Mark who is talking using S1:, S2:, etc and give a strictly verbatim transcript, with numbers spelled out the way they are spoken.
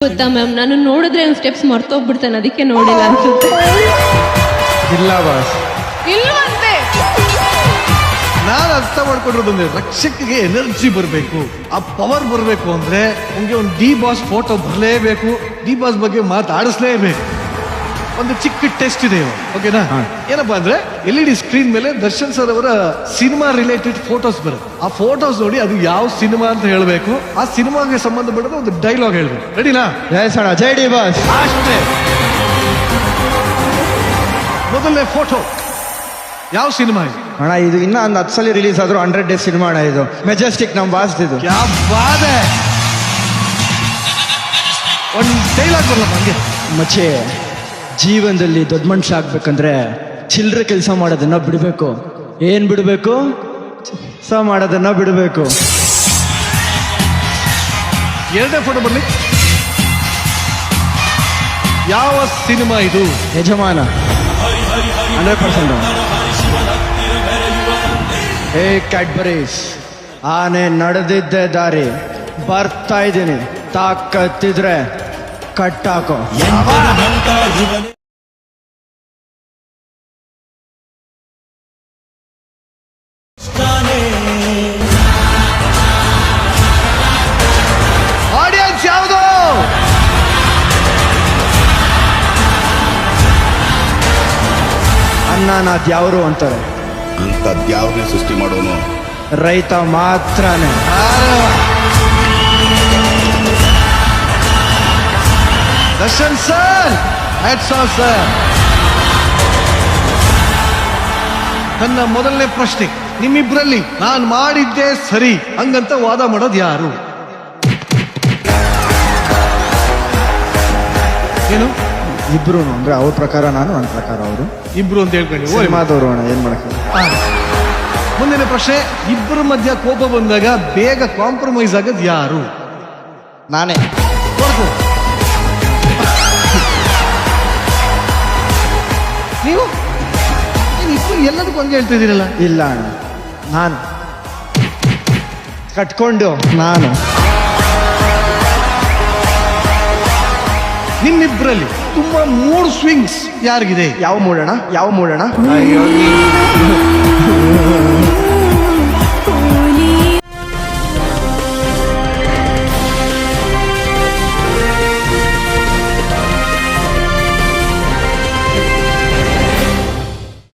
S1: ಗೊತ್ತಾ ಮ್ಯಾಮ್, ನಾನು ನೋಡಿದ್ರೆ ಒಂದು ಸ್ಟೆಪ್ಸ್ ಮರ್ತೋಗ್ಬಿಡ್ತಾನೆ, ಅದಕ್ಕೆ ನೋಡಿಲ್ಲ ಅನ್ಸುತ್ತೆ.
S2: ಇಲ್ಲ ಬಾಸ್,
S1: ಇಲ್ವಂತೆ.
S2: ನಾನು ಅರ್ಥ ಮಾಡ್ಕೊಂಡಿರೋದು ಅಂದ್ರೆ ರಕ್ಷಕಿಗೆ ಎನರ್ಜಿ ಬರಬೇಕು, ಆ ಪವರ್ ಬರಬೇಕು ಅಂದ್ರೆ ನಿಮ್ಗೆ ಒಂದು ಡಿ ಬಾಸ್ ಫೋಟೋ ಬರಲೇಬೇಕು, ಡಿ ಬಾಸ್ ಬಗ್ಗೆ ಮಾತಾಡಿಸ್ಲೇಬೇಕು. ಒಂದು ಚಿಕ್ಕ ಟೆಸ್ಟ್ ಇದೆ ಇವಾಗ, ಓಕೆನಾ? ಏನಪ್ಪಾ ಅಂದ್ರೆ ಎಲ್ ಇ ಡಿ ಸ್ಕ್ರೀನ್ ಮೇಲೆ ದರ್ಶನ್ ಸರ್ ಅವರ ಸಿನಿಮಾ ರಿಲೇಟೆಡ್ ಫೋಟೋಸ್ ಬರುತ್ತೆ. ಆ ಫೋಟೋಸ್ ನೋಡಿ ಅದು ಯಾವ ಸಿನಿಮಾ ಅಂತ ಹೇಳಬೇಕು, ಆ ಸಿನಿಮಾಗೆ ಸಂಬಂಧಪಟ್ಟದ ಒಂದು ಡೈಲಾಗ್ ಹೇಳ್ಬೇಕು. ರೆಡಿನಾ?
S3: ಜೈ ಸಣ ಜೈ ಡಿ ಬಾಸ್.
S2: ಅಷ್ಟೇ. ಮೊದಲನೇ ಫೋಟೋ ಯಾವ ಸಿನಿಮಾ ಇದು?
S3: ಅಣ್ಣ ಇದು ಇನ್ನ ಒಂದು ಹತ್ತು ಸಲ ರಿಲೀಸ್ ಆದ್ರೂ ಹಂಡ್ರೆಡ್ ಡೇಸ್ ಸಿನಿಮಾ ಅಣ್ಣ ಇದು. ಮೆಜೆಸ್ಟಿಕ್ ನಮ್ ಬಾಸ್ ಇದು.
S2: ಕ್ಯಾ ಬಾತ್ ಹೈ. ಒಂದು ಡೈಲಾಗ್ ಬರಲ್ಲ ಹಂಗೆ.
S3: ಮಚ್ಚೆ, ಜೀವನದಲ್ಲಿ ದೊಡ್ಡ ಮನುಷ್ಯ ಆಗ್ಬೇಕಂದ್ರೆ ಚಿಲ್ಲರೆ ಕೆಲಸ ಮಾಡೋದನ್ನ ಬಿಡಬೇಕು. ಏನ್ ಬಿಡಬೇಕು? ಕೆಲಸ ಮಾಡೋದನ್ನ ಬಿಡಬೇಕು.
S2: ಎರಡನೇ ಫೋಟೋ ಬರಲಿ. ಯಾವ ಸಿನಿಮಾ ಇದು?
S3: ಯಜಮಾನ ಹಂಡ್ರೆಡ್ ಪರ್ಸೆಂಟ್. ಹೇ ಕ್ಯಾಡ್ಬರೀಸ್, ಆನೆ ನಡೆದಿದ್ದೆ ದಾರಿ, ಬರ್ತಾ ಇದ್ದೀನಿ, ತಾಕತ್ತಿದ್ರೆ ಕಟ್ಟಾಕೋ.
S2: ಆಡಿಯನ್ಸ್ ಯಾವುದು?
S3: ಅನ್ನನಾಥ್ ಯಾವ್ರು ಅಂತಾರೆ,
S4: ಅಂಥದ್ಯಾವ್ರನ್ನೇ ಸೃಷ್ಟಿ ಮಾಡೋನು
S3: ರೈತ ಮಾತ್ರನೇ.
S2: Darshan sir, hats off sir. ನನ್ನ ಮೊದಲನೇ ಪ್ರಶ್ನೆ, ನಿಮ್ಮಿಬ್ರಲ್ಲಿ ನಾನು ಮಾಡಿದ್ದೆ ಸರಿ ಹಂಗಂತ ವಾದ ಮಾಡೋದು ಯಾರು? ಏನು?
S3: ಇಬ್ರು ಅಂದ್ರೆ ಅವ್ರ ಪ್ರಕಾರ ನಾನು, ನನ್ನ ಪ್ರಕಾರ ಅವರು.
S2: ಇಬ್ರು ಅಂತ ಹೇಳ್ಕೊಂಡು
S3: ಸಿನಿಮಾದವರು ಅಣ್ಣ, ಏನ್ ಮಾಡಕ್ಕೆ.
S2: ಮುಂದಿನ ಪ್ರಶ್ನೆ, ಇಬ್ಬರ ಮಧ್ಯ ಕೋಪ ಬಂದಾಗ ಬೇಗ ಕಾಂಪ್ರಮೈಸ್ ಆಗೋದು ಯಾರು?
S3: ನಾನೇ.
S2: ಹೊರತು ನೀವು ಇಬ್ರು ಎಲ್ಲದಕ್ಕೂ ಹಂಗೆ ಹೇಳ್ತಾ ಇದ್ದೀರಲ್ಲ?
S3: ಇಲ್ಲ ಅಣ್ಣ, ನಾನು ಕಟ್ಕೊಂಡು ನಾನು.
S2: ನಿಮ್ಮಿಬ್ಬರಲ್ಲಿ ತುಂಬಾ ಮೂಡ್ ಸ್ವಿಂಗ್ಸ್ ಯಾರಿಗಿದೆ?
S3: ಯಾವ ಮೂಡೋಣ ಯಾವ ಮೂಡೋಣ
S2: ಅಯ್ಯೋ